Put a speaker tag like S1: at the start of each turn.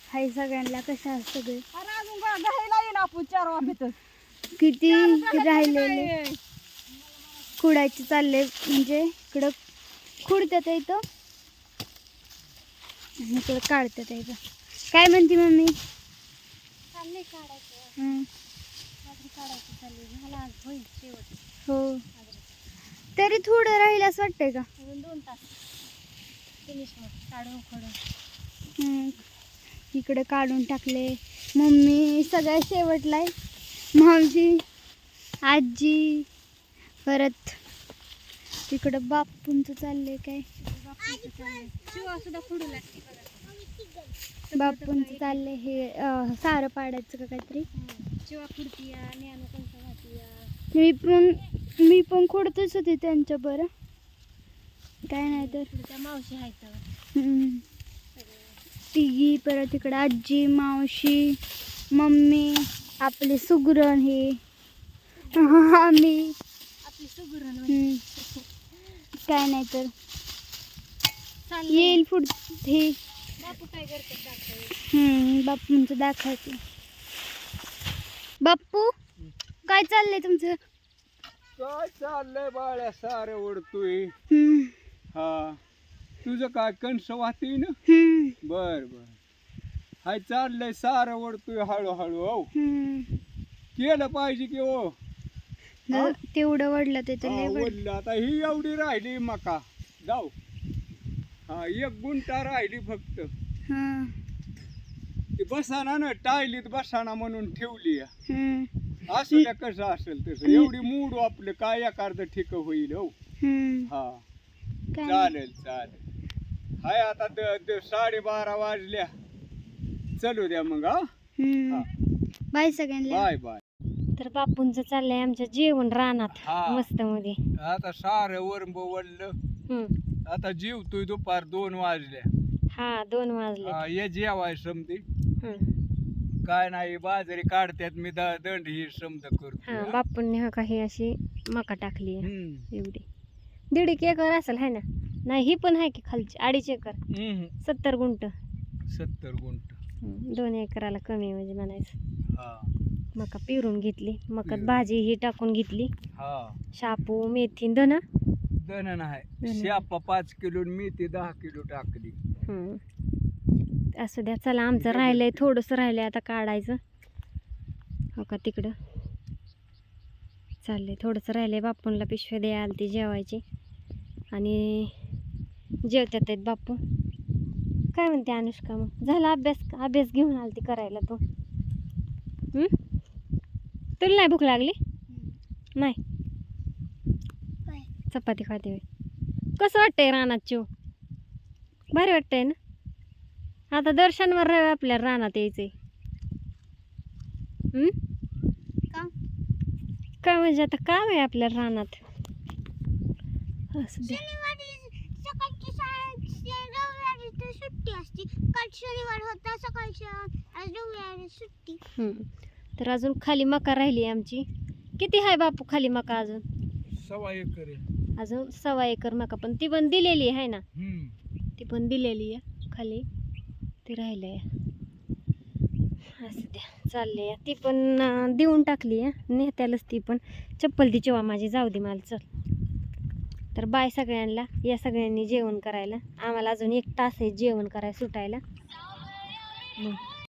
S1: हाय सगळ्यांना कशा आहात सगळे?
S2: अरे अजून घाईला येईन आपण 4 वाजता.
S1: किती राहिलेले खुडायचे चालले, म्हणजे इकडं खुडतात इथं आणि इकडं काढतात इथं. काय म्हणते मम्मी?
S2: चाललंय काढायचं. काढायचं चाललंय. मला आज होईल शेवट.
S1: हो, तरी थोडं राहील असं वाटतंय का?
S2: अजून 2 तास फिनिश काढून खडून.
S1: इकडे काढून टाकले. मम्मी सगळ्या शेवटलाय, मावशी, आजी, परत तिकडं बापूंचं चाललंय. काय
S2: शिवा सुद्धा खुडू लागते बघा.
S1: बापूंचं चाललंय हे सारं पाडायचं का काहीतरी.
S2: शिवा खुडती या ज्ञान कोणतं घाती
S1: मी पण खोडतच होते त्यांच्या बरं, काय नाही तर.
S2: त्या मावशी आहेत
S1: तिघी, परत इकडं आजी, मावशी, मम्मी, आपले सुगरण, हे आम्ही,
S2: आपली सुगरण.
S1: काय नाही तर.
S2: चाललंय.
S1: येईल पुढ हे.
S2: बापू काय करतात दाखव.
S1: बापूंचं दाखवायचं. बाप्पू काय चाललंय तुमचं?
S3: काय चाललंय बाळ्या, सारे ओढतोय. हा, तुझं काय कणस वाहती ना? बर बर. हाय चाललंय, सारं ओढतोय हळूहळू. हो, केलं पाहिजे की. हो,
S1: तेवढं वडलं ते तर लय वडलं.
S3: ओढलं. आता ही एवढी राहिली मका. जाऊ. हा, 1 गुंठा राहिली फक्त. ती बसाना ना, टायलीत बसाना म्हणून ठेवली. असू द्या, कसं असेल तसं. एवढी मूड आपलं काय एखादं ठीक होईल. हो, हा, चालेल चालेल. हाय आता 12:30 वाजल्या. चलू द्या मग. हा,
S1: बाय सगळ्यांना.
S3: Bye bye.
S2: तर बापूंचं चाललंय आमच्या जेवण रानात मस्त मध्ये.
S3: आता सारं वरंब वळलं. आता जेवतोय. दुपार 2 वाजल्या.
S2: हा, 2 वाजले.
S3: ये जेवाय समधी. काय नाही, बाजरी काढत्यात, मी दंड ही समज करतो.
S2: बापूंनी हा काही अशी मका टाकली एवढी. 1.5 एकर असेल है ना? नाही, ही पण आहे की खालची 2.5 एकर. 70 गुंठ.
S3: 70 गुंठ.
S2: 2 एकराला कमी म्हणजे म्हणायचं.
S3: हा,
S2: मका पिरून घेतली. मकात भाजी ही टाकून घेतली.
S3: हा,
S2: शापू, मेथी, धना.
S3: दण नाही, शापा 5 किलो, मेथी 10 किलो टाकली.
S2: असू द्या. चला, आमचं राहिलंय, थोडंसं राहिलंय आता काढायचं. हो का, तिकडं चाललंय, थोडंसं राहिलंय. बापूंला पिशव्या द्या आलती जेवायची, आणि जेवतात आहेत बापू. काय म्हणते अनुष्का? मग झाला अभ्यास घेऊन आलती करायला तू? तुला नाही भूक लागली? नाही, चपाती खाते होय. कसं वाटतंय रानात चिव? भारी वाटतंय ना? आता दर्शनवर आपल्या रानात यायचंय. काय म्हणजे आता काम आहे आपल्या रानात. तर अजून खाली मका राहिली आमची. किती आहे बापू खाली मका? अजून
S3: 1.25 एकर.
S2: अजून 1.25 एकर मका, पण ती पण दिलेली आहे ना. ती पण दिलेली आहे खाली, ती राहिलंय. असं द्या, चालले. ती पण देऊन टाकली आहे नेत्यालाच. ती पण चप्पल ती चिवा माझी, जाऊ दे मला. चल, तर बाय सगळ्यांना. या सगळ्यांनी जेवण करायला. आम्हाला अजून 1 तास आहे जेवण करायला सुटायला.